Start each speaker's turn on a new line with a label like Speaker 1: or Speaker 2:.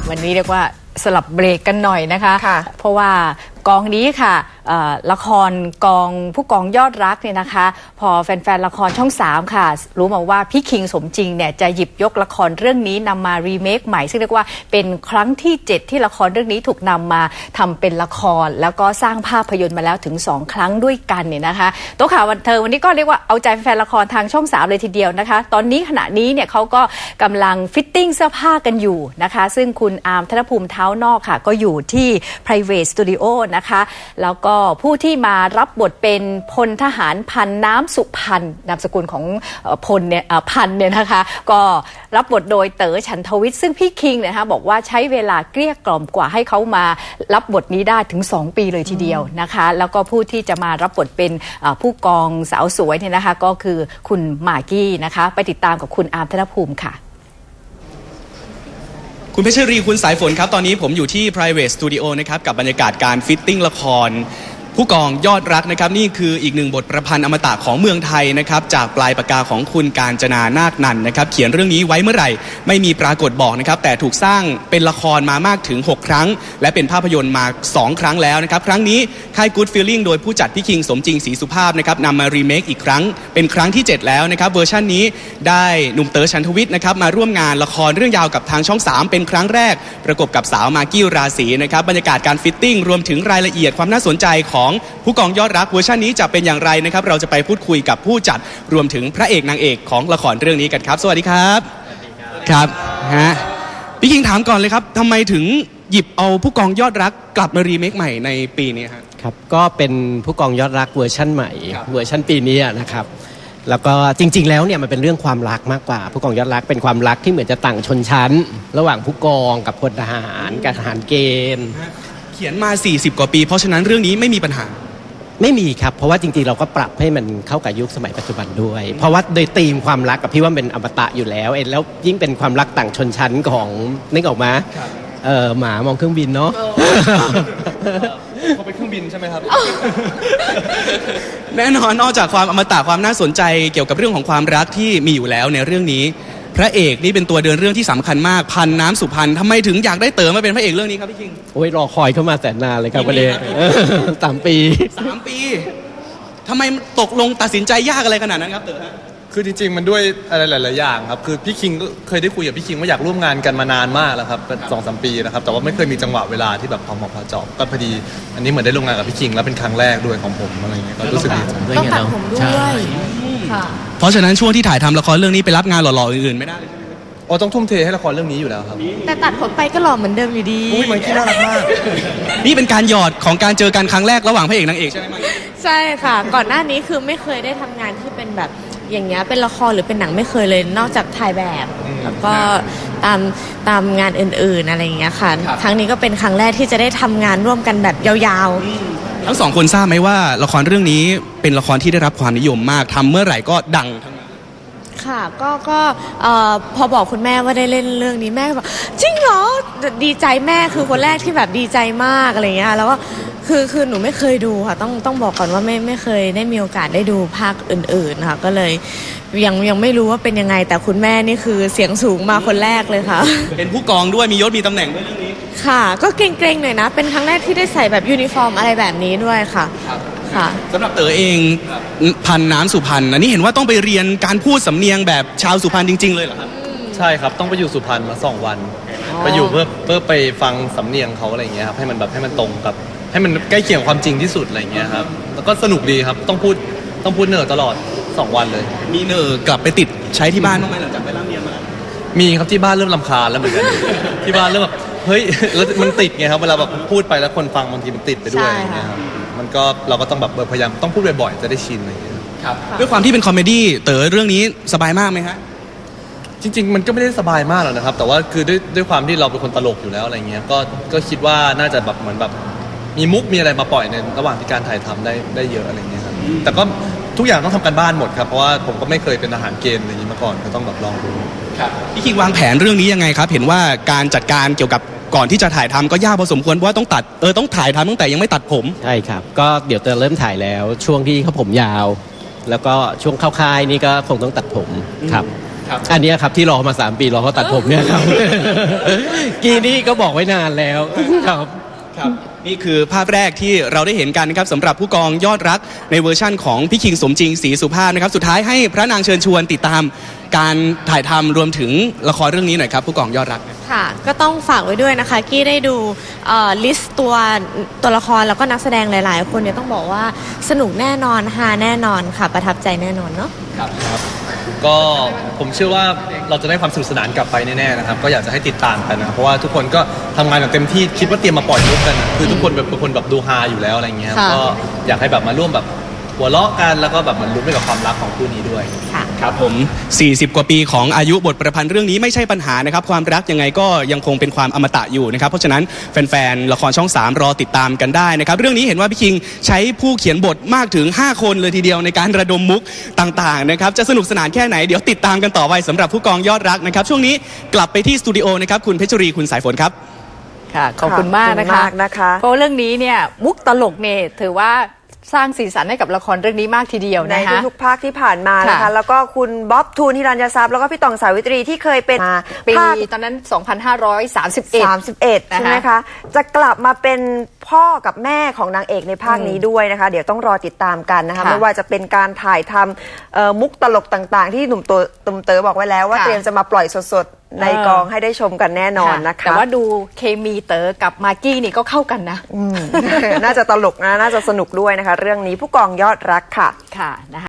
Speaker 1: วันนี้เรียกว่าสลับเบรกกันหน่อยนะคะเพราะว่ากองนี้ค่ะละครกองผู้กองยอดรักเนี่ยนะคะพอแฟนๆละครช่อง3ค่ะรู้มาว่าพี่คิงสมจริงเนี่ยจะหยิบยกละครเรื่องนี้นำมารีเมคใหม่ซึ่งเรียกว่าเป็นครั้งที่7ที่ละครเรื่องนี้ถูกนำมาทำเป็นละครแล้วก็สร้างภาพยนตร์มาแล้วถึง2ครั้งด้วยกันเนี่ยนะคะโต๊ะข่าวบันเทิงวันนี้ก็เรียกว่าเอาใจแฟนละครทางช่อง3เลยทีเดียวนะคะตอนนี้ขณะนี้เนี่ยเขาก็กำลังฟิตติ้งเสื้อผ้ากันอยู่นะคะซึ่งคุณอาร์มธนภูมิเท้านอกค่ะก็อยู่ที่ private studio นะคะแล้วก็ผู้ที่มารับบทเป็นพลทหารพันน้ำสุพันนามสกุลของพลเนี่ยพันเนี่ยนะคะก็รับบทโดยเต๋อฉันทวิทย์ซึ่งพี่คิงเนี่ยนะคะบอกว่าใช้เวลาเกลี้ยกล่อมกว่าให้เขามารับบทนี้ได้ถึง2ปีเลยทีเดียวนะคะแล้วก็ผู้ที่จะมารับบทเป็นผู้กองสาวสวยเนี่ยนะคะก็คือคุณมากกี้นะคะไปติดตามกับคุณอาร์มธนภูมิค่ะ
Speaker 2: คุณเพชรรีคุณสายฝนครับตอนนี้ผมอยู่ที่ private studio นะครับกับบรรยากาศการฟิตติ้งละครผู้กองยอดรักนะครับนี่คืออีกหนึ่งบทประพันธ์อมตะของเมืองไทยนะครับจากปลายปากกาของคุณกาญจนานาคนันท์นะครับเขียนเรื่องนี้ไว้เมื่อไหร่ไม่มีปรากฏบอกนะครับแต่ถูกสร้างเป็นละครมามากถึง6ครั้งและเป็นภาพยนตร์มา2ครั้งแล้วนะครับครั้งนี้ค่าย Good Feeling โดยผู้จัดพี่คิงสมจริงศรีสุภาพนะครับนำมารีเมคอีกครั้งเป็นครั้งที่7แล้วนะครับเวอร์ชันนี้ได้หนุ่มเต๋อฉันทวิทย์นะครับมาร่วมงานละครเรื่องยาวกับทางช่อง3เป็นครั้งแรกประกบกับสาวมากกี้ราศีนะครับบรรยากาศการฟิตติ้งรวมถึงรายละเอียดความน่าสนใจของผู้กองยอดรักเวอร์ชันนี้จะเป็นอย่างไรนะครับเราจะไปพูดคุยกับผู้จัดรวมถึงพระเอกนางเอกของละครเรื่องนี้กันครับสวัสดีครับครับฮะพี่คิงถามก่อนเลยครับทำไมถึงหยิบเอาผู้กองยอดรักกลับมารีเมคใหม่ในปีนี้
Speaker 3: ครับก็เป็นผู้กองยอดรักเวอร์ชั่นใหม่เวอร์ชั่นปีนี้นะครับแล้วก็จริงๆแล้วเนี่ยมันเป็นเรื่องความรักมากกว่าผู้กองยอดรักเป็นความรักที่เหมือนจะต่างชนชั้นระหว่างผู้กองกับพลทหารกับทหารเกณฑ์
Speaker 2: เขียนมา40กว่าปีเพราะฉะนั้นเรื่องนี้ไม่มีปัญหา
Speaker 3: ไม่มีครับเพราะว่าจริงๆเราก็ปรับให้มันเข้ากับยุคสมัยปัจจุบันด้วยเพราะว่าโดยธีมความรักกับพี่ว่าเป็นอมตะอยู่แล้วแล้วยิ่งเป็นความรักต่างชนชั้นของนึกออกมาหมามองเครื่องบินเนาะ
Speaker 2: เขาเป็นเครื่องบินใช่ไหมครับแน่นอนนอกจากความอมตะความน่าสนใจเกี่ยวกับเรื่องของความรักที่มีอยู่แล้วในเรื่องนี้พระเอกนี่เป็นตัวเดินเรื่องที่สำคัญมากพันน้ำสุพรรณทำไมถึงอยากได้เต๋อมาเป็นพระเอกเรื่องนี้ครับพี่คิง
Speaker 3: โอ้ยรอคอยเข้ามาแสนนานเลยครับประเด็น3 ปี
Speaker 2: ทำไมตกลงตัดสินใจยากอะไรขนาดนั้นครับเต๋อฮะ
Speaker 4: คือจริงๆมันด้วยอะไรหลายๆอย่างครับคือพี่คิงก็เคยได้คุยกับพี่คิงว่าอยากร่วมงานกันมานานมากแล้วครับเป็น2-3 ปีนะครับแต่ว่าไม่เคยมีจังหวะเวลาที่แบบพอเหมาะพอเจาะก็พอดีอันนี้เหมือนได้ร่วมงานกับพี่คิงแล้วเป็นครั้งแรกด้วยของผมอะไรเงี้ยก็รู้สึกดีใจ
Speaker 1: ต้องตัดผมด้วยค่ะ
Speaker 2: เพราะฉะนั้นช่วงที่ถ่ายทำละครเรื่องนี้ไปรับงานหล่อๆอื่นๆไม่ได้
Speaker 4: โอ้ต้องทุ่มเทให้ละครเรื่องนี้อยู่แล้วครับ
Speaker 1: แต่ตัดผมไปก็หล่อเหมือนเดิมอยู่ดี
Speaker 4: อุ้ยมันขี้น่ารักมาก
Speaker 2: นี่เป็นการหยอดของการเจอกันครั้งแรกระหว่างพระเอกนางเอกใช่ไหม
Speaker 1: ใช่ค่ะก่อนหน้านี้คือไม่เคยได้ทำงานที่เป็นแบบอย่างเงี้ยเป็นละครหรือเป็นหนังไม่เคยเลยนอกจากถ่ายแบบแล้วก็ตามงานอื่นๆอะไรอย่างเงี้ยค่ะครั้งนี้ก็เป็นครั้งแรกที่จะได้ทำงานร่วมกันแบบยาว
Speaker 2: ๆทั้ง2คนทราบไหมว่าละครเรื่องนี้เป็นละครที่ได้รับความนิยมมากทำเมื่อไหร่ก็ดังทั้งนั้น
Speaker 1: ค่ะก็พอบอกคุณแม่ว่าได้เล่นเรื่องนี้แม่บอกจริงเหรอดีใจแม่คือคนแรกที่แบบดีใจมากอะไรเงี้ยแล้วก็คือหนูไม่เคยดูค่ะต้องบอกก่อนว่าไม่เคยได้มีโอกาสได้ดูภาคอื่นๆค่ะก็เลยยังไม่รู้ว่าเป็นยังไงแต่คุณแม่นี่คือเสียงสูงมาคนแรกเลยค่ะ
Speaker 2: เป็นผู้กองด้วยมียศมีตำแหน่งด้วยเรื่องนี้
Speaker 1: ค่ะก็เกรงๆหน่อยนะเป็นครั้งแรกที่ได้ใส่แบบยูนิฟอร์มอะไรแบบนี้ด้วยค่ะ
Speaker 2: สำหรับเต๋อเองพันน้ำสุพรรณอันนี้เห็นว่าต้องไปเรียนการพูดสำเนียงแบบชาวสุพรรณจริงๆเลยเหรอครับ
Speaker 4: ใช่ครับต้องไปอยู่สุพรรณมา2 วันไปอยู่เพื่อไปฟังสำเนียงเขาอะไรเงี้ยครับให้มันตรงกับให้มันใกล้เคียงความจริงที่สุดอะไรเงี้ยครับแล้วก็สนุกดีครับต้องพูดเนอตลอด2 วันเลย
Speaker 2: มีเนอกลับไปติดใช้ที่บ้านบ้างไหมหลังจากไปร่ำเรียนมา
Speaker 4: มีครับที่บ้านเริ่มรำคาญแล้วเหมือนกันที่บ้านเริ่มแบบเฮ้ยแล้วมันติดไงครับเวลาแบบพูดไปแล้วคนฟังบางทีมันติดไปด้วยอย่างเงี้ยครับมันก็เราก็ต้องแบบพยายามต้องพูดบ่อยๆจะได้ชินอะไรอย่างเงี้ย
Speaker 2: ครับด้วยความที่เป็นคอมเมดี้เต๋อเรื่องนี้สบายมากไหมฮะ
Speaker 4: จริงๆมันก็ไม่ได้สบายมากหรอกนะครับแต่ว่าคือด้วยความที่เราเป็นคนตลกอยู่แล้วอะไรเงี้ยก็คิดว่าน่าจะแบบเหมือนแบบมีมุกมีอะไรมาปล่อยในระหว่างที่การถ่ายทำได้เยอะอะไรเงี้ยครับแต่ก็ทุกอย่างต้องทำกันบ้านหมดครับเพราะว่าผมก็ไม่เคยเป็นทหารเกณฑ์อะไรอย่างนี้มาก่อนก็ต้องแบบลองดู
Speaker 2: ครับพี่คิงวางแผนเรื่องนี้ยังไงครับเห็นว่าการจัดการเกี่ยวกับก่อนที่จะถ่ายทำก็ยากพอสมควรเพราะว่าต้องต้องถ่ายทำตั้งแต่ยังไม่ตัดผม
Speaker 3: ใช่ครับก็เดี๋ยวจะเริ่มถ่ายแล้วช่วงที่เขาผมยาวแล้วก็ช่วงเข้าค่ายนี่ก็คงต้องตัดผมครับ
Speaker 2: ครับ
Speaker 3: อันเนี้ยครับที่รอมา3 ปีรอเขาตัดผมเนี่ยครับ กีนี่ก็บอกไว้นานแล้วครับ
Speaker 2: ครับนี่คือภาพแรกที่เราได้เห็นกันนะครับสำหรับผู้กองยอดรักในเวอร์ชั่นของพี่คิงสมจริงศรีสุภาพนะครับสุดท้ายให้พระนางเชิญชวนติดตามการถ่ายทำรวมถึงละครเรื่องนี้หน่อยครับผู้กองยอดรัก
Speaker 5: ค่ะก็ต้องฝากไว้ด้วยนะคะกี้ได้ดูลิสต์ตัวละครแล้วก็นักแสดงหลาย ๆ คนเนี่ยต้องบอกว่าสนุกแน่นอนฮาแน่นอนค่ะประทับใจแน่นอนเนาะ
Speaker 4: ก็ผมเชื่อว่าเราจะได้ความสนุกสนานกลับไปแน่ๆนะครับก็อยากจะให้ติดตามกันนะครับเพราะว่าทุกคนก็ทำงานอย่างเต็มที่คิดว่าเตรียมมาปล่อยมุกกันนะคือทุกคนเป็นคนแบบดูฮาอยู่แล้วอะไรเงี้ยครับ
Speaker 5: ค่ะ
Speaker 4: ก็อยากให้แบบมาร่วมแบบหัวเราะกันแล้วก็แบบเหมันลุ้นไปกับความรักของคู่นี้ด้วย
Speaker 2: ครับผม 40 กว่าปีของอายุบทประพันธ์เรื่องนี้ไม่ใช่ปัญหานะครับความรักยังไงก็ยังคงเป็นความอมตะอยู่นะครับเพราะฉะนั้นแฟนๆละครช่อง 3 รอติดตามกันได้นะครับเรื่องนี้เห็นว่าพี่คิงใช้ผู้เขียนบทมากถึง5 คนเลยทีเดียวในการระดมมุกต่างๆนะครับจะสนุกสนานแค่ไหนเดี๋ยวติดตามกันต่อไปสำหรับผู้กองยอดรักนะครับช่วงนี้กลับไปที่สตูดิโอนะครับคุณเพชรรีคุณสายฝนครับ
Speaker 1: ค่ะขอบคุณมากนะคะ เพราะเรื่องนี้เนี่ยมุกตลกเนี่ยถือว่าสร้างสีสันให้กับละครเรื่องนี้มากทีเดียว
Speaker 6: ใน
Speaker 1: นะคะ
Speaker 6: ทุกๆภาคที่ผ่านมานะคะ
Speaker 1: ค่ะ
Speaker 6: แล้วก็คุณบ๊อบทูนฮิรัญญทรัพย์แล้วก็พี่ตองสาวิตรีที่เคยเป็น
Speaker 1: ปี
Speaker 6: ภาค
Speaker 1: ตอนนั้น 2531
Speaker 6: 31 ใช่ไหมคะ จะกลับมาเป็นพ่อกับแม่ของนางเอกในภาคนี้ด้วยนะคะ เดี๋ยวต้องรอติดตามกันนะคะ
Speaker 1: ค่ะ
Speaker 6: ไม่ว่าจะเป็นการถ่ายทำมุกตลกต่างๆ ที่หนุ่มเต๋อบอกไว้แล้วว่า
Speaker 1: ค่ะ
Speaker 6: เตรียมจะมาปล่อยสดๆในกองให้ได้ชมกันแน่นอนนะคะ
Speaker 1: แต่ว่าดูเคมีเต๋อกับมากกี้นี่ก็เข้ากันนะ
Speaker 6: น่าจะตลกนะน่าจะสนุกด้วยนะคะ เรื่องนี้ผู้กองยอดรักค่ะ
Speaker 1: ค่ะนะคะ